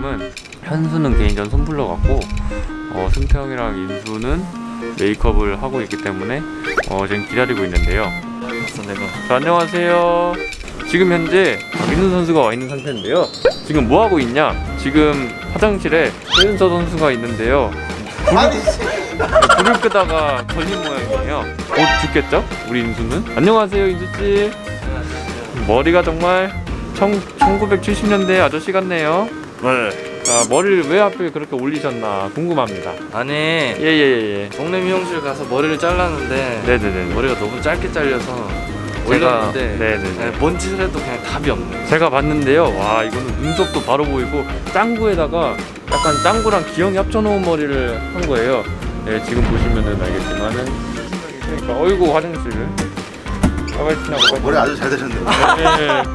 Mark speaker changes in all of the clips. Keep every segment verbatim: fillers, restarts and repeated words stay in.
Speaker 1: 지금은 현수는 개인전 손불러 갔고 어, 승태형이랑 인수는 메이크업을 하고 있기 때문에 어, 지금 기다리고 있는데요. 내가. 자, 안녕하세요. 지금 현재 박인수 선수가 와 있는 상태인데요. 지금 뭐 하고 있냐? 지금 화장실에 최은서 선수가 있는데요. 불을, 불을 끄다가 걸린 모양이에요. 곧 죽겠죠? 우리 인수는. 안녕하세요, 인수 씨. 머리가 정말 청, 천구백칠십 년대 아저씨 같네요.
Speaker 2: 네.
Speaker 1: 자, 머리를 왜 하필 그렇게 올리셨나 궁금합니다.
Speaker 2: 아니
Speaker 1: 예예예. 예.
Speaker 2: 동네 미용실 가서 머리를 잘랐는데
Speaker 1: 네네네.
Speaker 2: 머리가 너무 짧게 잘려서
Speaker 1: 제가-
Speaker 2: 올렸는데
Speaker 1: 네네네.
Speaker 2: 네, 뭔 짓을 해도 그냥 답이 없네.
Speaker 1: 제가 봤는데요. 와, 이거는 눈썹도 바로 보이고 짱구에다가 약간 짱구랑 기영이 합쳐놓은 머리를 한 거예요. 네, 지금 보시면은 알겠지만은. 그러니까 어이구 화장실을. 빨리 지나가.
Speaker 3: 머리 아주 잘 되셨네요.
Speaker 1: 네.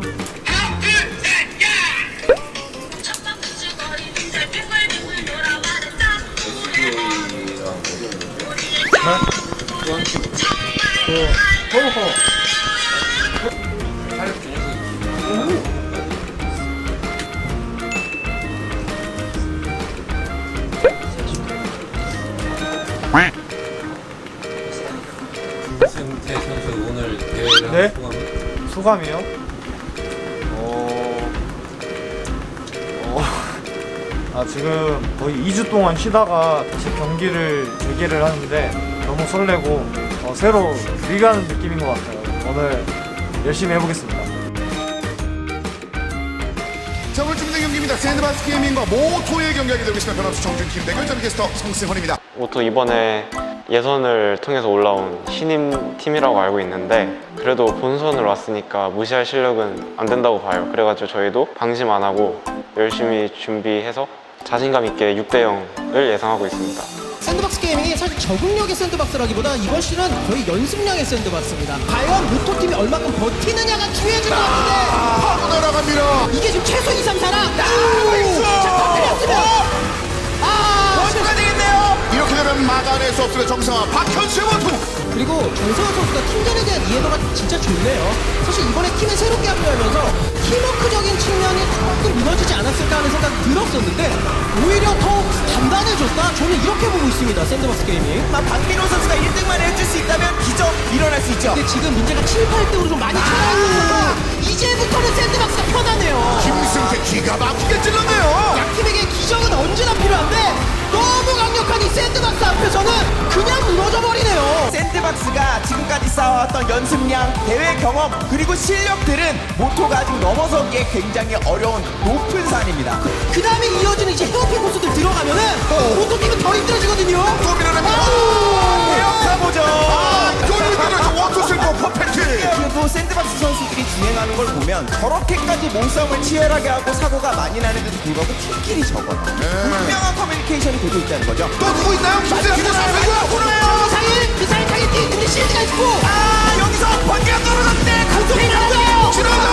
Speaker 4: 승태 선수 오늘 대회를
Speaker 5: 네?
Speaker 4: 소감
Speaker 5: 소감이요? 어... 어... 아 지금 거의 이 주 동안 쉬다가 다시 경기를 재개를 하는데 너무 설레고 어, 새로 리가는 느낌인 것 같아요. 오늘 열심히 해보겠습니다.
Speaker 3: 자, 오늘 준비된 경기입니다. 샌드박스 게이밍과 모토의 경기하게 되고 있습니다. 변함수 정준팀 대결 전 게스터 성승헌입니다.
Speaker 6: 모토 이번에 예선을 통해서 올라온 신인 팀이라고 알고 있는데 그래도 본선을 왔으니까 무시할 실력은 안 된다고 봐요. 그래가지고 저희도 방심 안 하고 열심히 준비해서 자신감 있게 육 대 영을 예상하고 있습니다.
Speaker 7: 샌드박스 게이밍이 사실 적응력의 샌드박스라기보다 이번 시즌은 거의 연습량의 샌드박스입니다. 과연 모토팀이 얼마큼 버티느냐가 중요해질 것 같은데
Speaker 3: 파고 날아갑니다.
Speaker 7: 이게 지금 최소 이, 삼, 사랑 자, 터뜨렸으면 아
Speaker 3: 원수가 되겠네요. 이렇게 되면 막아낼 수 없습니다. 정상화 박현수의 원투.
Speaker 7: 그리고 정성환 선수가 팀전에 대한 이해도가 진짜 좋네요. 사실 이번에 팀에 새롭게 합류하면서 팀워크적인 측면이 조금 무너지지 않았을까 하는 생각이 들었었는데 오히려 더욱 단단해졌다. 저는 이렇게 보고 있습니다. 샌드박스 게이밍.
Speaker 8: 박민호 선수가 일 등만 해줄 수 있다면 기적 일어날 수 있죠.
Speaker 7: 근데 지금 문제가 칠, 팔 등으로 좀 많이 차이가 이제부터는 샌드박스가 편하네요.
Speaker 3: 김승태 기가 막히게 찔렀네요.
Speaker 7: 양팀에게 기적은 언제나 필요한데 너무 강력한 이 샌드박스 앞에서는 그냥 무너져 버리네요.
Speaker 8: 샌드박스가 지금까지 쌓아왔던 연습량, 대회 경험 그리고 실력들은 모토가 아직 넘어서기에 굉장히 어려운 높은 산입니다.
Speaker 7: 그 다음에 이어지는 이제 헤어핀 코스들 들어가면은 모토팀은 더 힘들어지거든요.
Speaker 3: 또 밀어냅니다.
Speaker 8: 가보죠.
Speaker 3: 아, 또 밀어내죠. 원투 슬퍼 퍼펙트.
Speaker 8: 그래도 샌드박스 선수들이 진행하는 걸 보면 저렇게까지 몸싸움을 치열하게 하고 사고가 많이 나는데도 불구하고 팀끼리 적어요. 분명한 커뮤니케이션이 되고 있다는 거죠.
Speaker 3: 또 누구 있나요? 김승태 기자 사세요.
Speaker 7: 미사일, 미사일 타겟팅, 근데 실드가 있고
Speaker 8: 아 여기서 번개가 떨어졌는데
Speaker 7: 공격이라고요.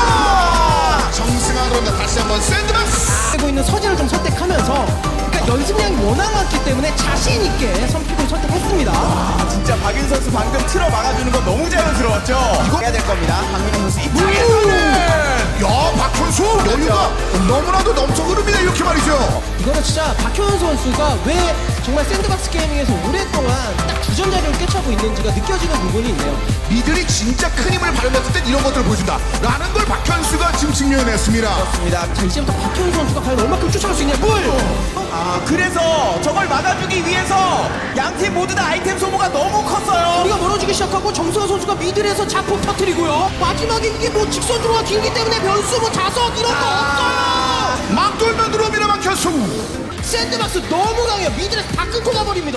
Speaker 3: 지나가. 정승환 들어온다. 다시 한번 샌드박스.
Speaker 7: 하고 있는 서재를 좀 선택하면서 그러니까 연습량이 워낙 많기 때문에 자신 있게 선픽을 선택했습니다.
Speaker 8: 아 진짜 박윤 선수 방금 틀어 막아주는 거 너무 자연스러웠죠. 이거 해야 될 겁니다. 박민호 선수 입장에서는
Speaker 3: 야, 박현수 여유가 너무나도 넘쳐 흐릅니다. 이렇게 말이죠.
Speaker 7: 이거는 진짜 박효연 선수가 왜 정말 샌드박스 게이밍에서 오랫동안 딱 주전 자리를 꿰차고 있는지가 느껴지는 부분이 있네요.
Speaker 3: 이들이 진짜 큰 힘을 발휘했을 땐 이런 것들을 보여준다 라는 걸 박현수가 지금 증명해냈습니다.
Speaker 8: 그렇습니다.
Speaker 7: 자, 이제부터 박효연 선수가 과연 얼마큼 쫓아갈 수 있냐. 물!
Speaker 8: 아 그래서 저걸 막아주기 위해서 양팀 모두 다 아이템 소모가 너무 컸어요.
Speaker 7: 우리가 멀어지기 시작하고 정수환 선수가 미들에서 자폭 터뜨리고요. 마지막에 이게 뭐 직선 들어와 길기 때문에 변수 뭐 자석 이런 거
Speaker 8: 아
Speaker 7: 없어요.
Speaker 3: 막 돌면 들어옵니다. 박현수.
Speaker 7: 샌드박스 너무 강해요. 미들에서 다 끊고 가버립니다.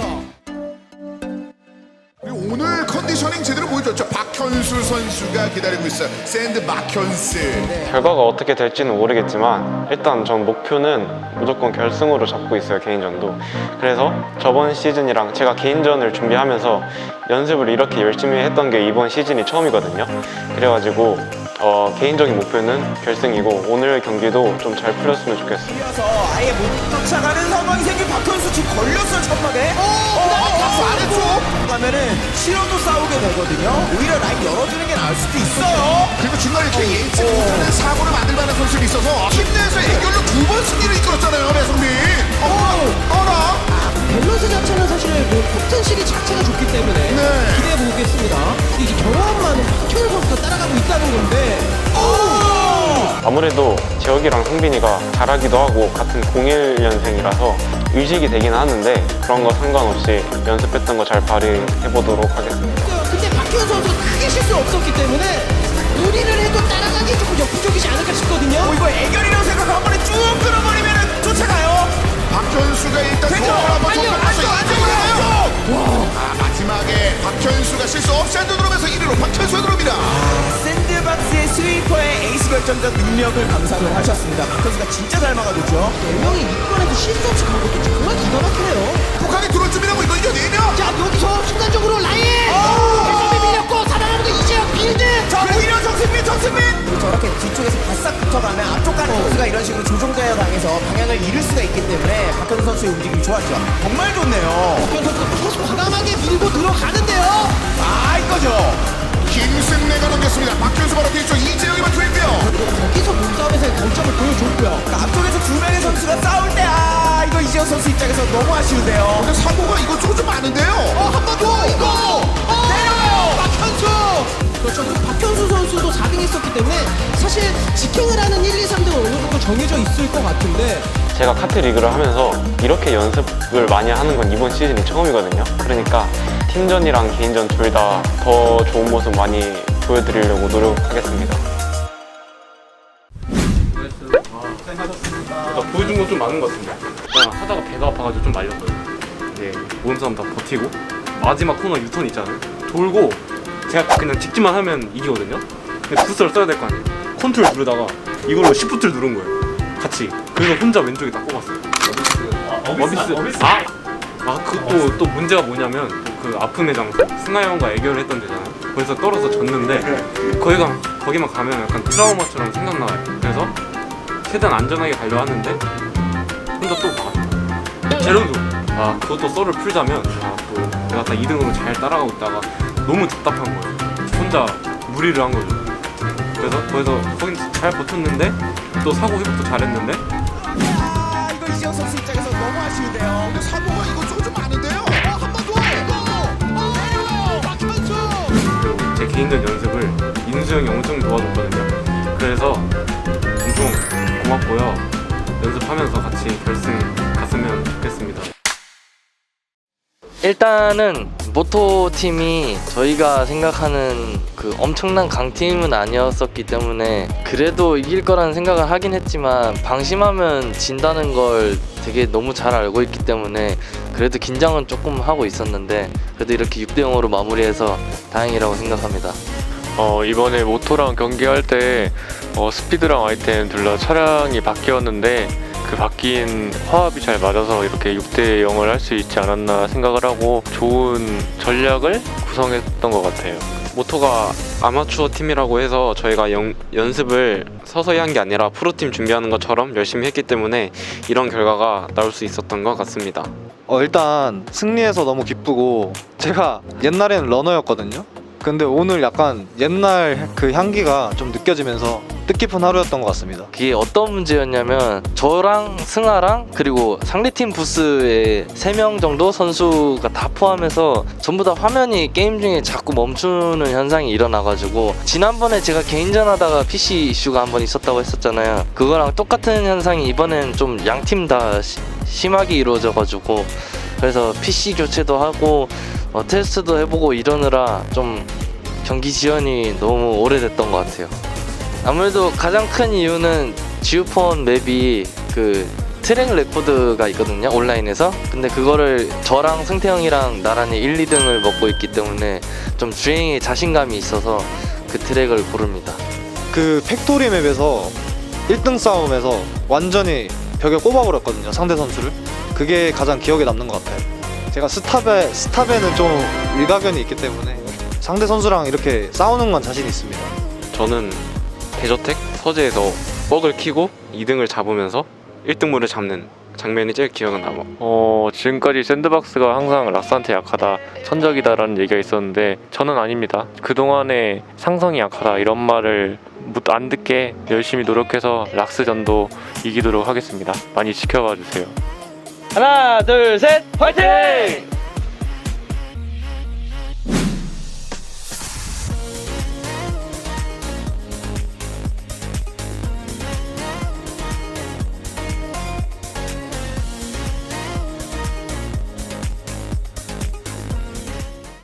Speaker 3: 그리고 오늘 컨디셔닝 제대로 보여줬죠. 박현수 선수가 기다리고 있어요. 샌드 박현수.
Speaker 6: 결과가 어떻게 될지는 모르겠지만 일단 전 목표는 무조건 결승으로 잡고 있어요. 개인전도. 그래서 저번 시즌이랑 제가 개인전을 준비하면서 연습을 이렇게 열심히 했던 게 이번 시즌이 처음이거든요. 그래가지고 어, 개인적인 목표는 결승이고 오늘 경기도 좀 잘 풀렸으면 좋겠어요.
Speaker 8: 이어서 아예 못 쫓아가는 상황이 생긴 박현수 지금 걸렸어요. 천막에. 어, 박수 안 했죠? 가면은 실어도 싸우게 되거든요. 오히려 라인 열어주는 게 나을 수도 있어요.
Speaker 3: 그리고 중간에 이렇게 예측 못하는 사고를 만들 만한 선수가 있어서 팀 내에서 애결로 두 번 승리를 이끌었잖아요, 배성민. 어, 어라.
Speaker 7: 밸런스 자체는 사실 뭐 포텐실이 자체가 좋기 때문에
Speaker 3: 네.
Speaker 7: 기대해 보겠습니다. 근데 이제 경험 많은 박현우 선수가 따라가고 있다는 건데.
Speaker 6: 아무래도 재혁이랑 성빈이가 잘하기도 하고 같은 공일 년생이라서 의식이 되긴 하는데 그런 거 상관없이 연습했던 거 잘 발휘해보도록 하겠습니다.
Speaker 7: 근데 박현우 선수가 크게 실수 없었기 때문에 무리를 해도 따라가기 조금 역부족이지 않을까 싶거든요.
Speaker 8: 어, 이거 애결이라고 생각하고 한 번에 쭉 끌어버리면 쫓아가요.
Speaker 3: 박현수가 일단
Speaker 8: 되죠?
Speaker 3: 공을 한번
Speaker 8: 빨리요,
Speaker 3: 던져서
Speaker 8: 빨리요,
Speaker 3: 이 등을
Speaker 8: 빨리요.
Speaker 3: 해요. 아, 마지막에 박현수가 실수 없이 안으로 들어오면서 일 위로 박현수가 들어옵니다.
Speaker 8: 샌드박스의 스위퍼의 에이스 결정적 능력을 감상을 하셨습니다. 박현수가 진짜 잘 막아줬죠.
Speaker 7: 네 명이 이번에도 실수 없이 간 것도 정말 기가 막히네요.
Speaker 3: 북한이 들어올 준비라고 이거 이겨내냐?
Speaker 7: 자 여기서 순간적으로 라인 배성민 밀렸고 살아나는 거 이재혁 빌드.
Speaker 8: 자, 오히려 정승민, 정승민! 저렇게 뒤쪽에서 바싹 붙어가면 앞쪽 가는 선수가 이런 식으로 조종자에 당해서 방향을 잃을 수가 있기 때문에 박현수 선수의 움직임이 좋았죠. 정말 좋네요.
Speaker 7: 박현우 선수가 계속 과감하게 밀고 들어가는데요.
Speaker 8: 아, 이거죠.
Speaker 3: 김승래가 넘겼습니다. 박현수 바로 뒤쪽 이재영이 맞춰있고요.
Speaker 7: 거기서 몸싸움에서의 강점을 보여줬고요.
Speaker 8: 그러니까 앞쪽에서 두 명의 선수가 싸울 때, 아, 이거 이재호 선수 입장에서 너무 아쉬운데요.
Speaker 3: 근데 사고가 이것저것 좀 많은데요.
Speaker 7: 어, 한 번 더 이거 어, 내려가요. 박현수. 그렇죠. 그리고 박현수 선수도 사 등 했었기 때문에 사실 직행을 하는 일, 이, 삼 등은 어느 정도 정해져 있을 것 같은데
Speaker 6: 제가 카트 리그를 하면서 이렇게 연습을 많이 하는 건 이번 시즌이 처음이거든요. 그러니까 팀전이랑 개인전 둘 다 더 좋은 모습 많이 보여드리려고 노력하겠습니다.
Speaker 1: 나 보여준 건 좀 많은 것 같은데 그냥 하다가 배가 아파가지고 좀 말렸거든요. 네, 모든 사람 다 버티고 마지막 코너 유턴 있잖아요. 돌고 제가 그냥 직진만 하면 이기거든요. 근데 부스를 써야 될 거 아니에요. 컨트롤 누르다가 이걸로 시프트를 누른 거예요. 같이. 그래서 혼자 왼쪽에 딱 꼽았어요. 어비스. 아! 아, 그또 또 문제가 뭐냐면 그 아픔의 장소 승하 형과 애교를 했던 데잖아요. 거기서 떨어서 졌는데 거기가 거기만 가면 약간 트라우마처럼 생각나요. 그래서 최대한 안전하게 가려 하는데 혼자 또 막았어요. 제로도 아 그것도 썰을 풀자면 아, 또 내가 다 이 등으로 잘 따라가고 있다가 너무 답답한 거예요. 혼자 무리를 한 거죠. 그래서 거기서 거긴 잘 버텼는데 또 사고 회복도 잘했는데
Speaker 8: 아, 이거 이재호 선수 입장에서 너무 아쉬운데요.
Speaker 3: 근데 사고가 이것저것 좀 많은데요. 한 번 더 이거. 어, 내려가요. 박현수.
Speaker 1: 그리고 제 개인전 연습을 인수 형이 엄청 도와줬거든요. 그래서 엄청 고맙고요. 연습하면서 같이 결승 갔으면 좋겠습니다.
Speaker 2: 일단은 모토 팀이 저희가 생각하는 그 엄청난 강팀은 아니었었기 때문에 그래도 이길 거라는 생각을 하긴 했지만 방심하면 진다는 걸 되게 너무 잘 알고 있기 때문에 그래도 긴장은 조금 하고 있었는데 그래도 이렇게 육 대 영으로 마무리해서 다행이라고 생각합니다.
Speaker 1: 어, 이번에 모토랑 경기할 때 어, 스피드랑 아이템 둘 다 차량이 바뀌었는데 그 바뀐 화합이 잘 맞아서 이렇게 육 대 영을 할 수 있지 않았나 생각을 하고 좋은 전략을 구성했던 것 같아요. 모토가 아마추어 팀이라고 해서 저희가 영, 연습을 서서히 한 게 아니라 프로팀 준비하는 것처럼 열심히 했기 때문에 이런 결과가 나올 수 있었던 것 같습니다.
Speaker 5: 어 일단 승리해서 너무 기쁘고 제가 옛날에는 러너였거든요. 근데 오늘 약간 옛날 그 향기가 좀 느껴지면서 뜻깊은 하루였던 것 같습니다.
Speaker 2: 그게 어떤 문제였냐면 저랑 승아랑 그리고 상대팀 부스에 세 명 정도 선수가 다 포함해서 전부 다 화면이 게임 중에 자꾸 멈추는 현상이 일어나가지고 지난번에 제가 개인전 하다가 피씨 이슈가 한 번 있었다고 했었잖아요. 그거랑 똑같은 현상이 이번엔 좀 양 팀 다 심하게 이루어져가지고 그래서 피씨 교체도 하고 어, 테스트도 해보고 이러느라 좀 경기 지연이 너무 오래됐던 것 같아요. 아무래도 가장 큰 이유는 지우폰 맵이 그 트랙 레코드가 있거든요, 온라인에서. 근데 그거를 저랑 승태형이랑 나란히 일, 이 등을 먹고 있기 때문에 좀 주행에 자신감이 있어서 그 트랙을 고릅니다.
Speaker 5: 그 팩토리 맵에서 일 등 싸움에서 완전히 벽에 꼽아버렸거든요, 상대 선수를. 그게 가장 기억에 남는 것 같아요. 제가 스탑에, 스탑에는 좀 일가견이 있기 때문에 상대 선수랑 이렇게 싸우는 건 자신 있습니다.
Speaker 6: 저는 대저택 서재에서 뻑을 키고 이 등을 잡으면서 일 등물을 잡는 장면이 제일 기억은 남아.
Speaker 1: 어, 지금까지 샌드박스가 항상 락스한테 약하다, 천적이다라는 얘기가 있었는데 저는 아닙니다. 그동안에 상성이 약하다 이런 말을 안 듣게 열심히 노력해서 락스전도 이기도록 하겠습니다. 많이 지켜봐 주세요.
Speaker 2: 하나 둘 셋 화이팅!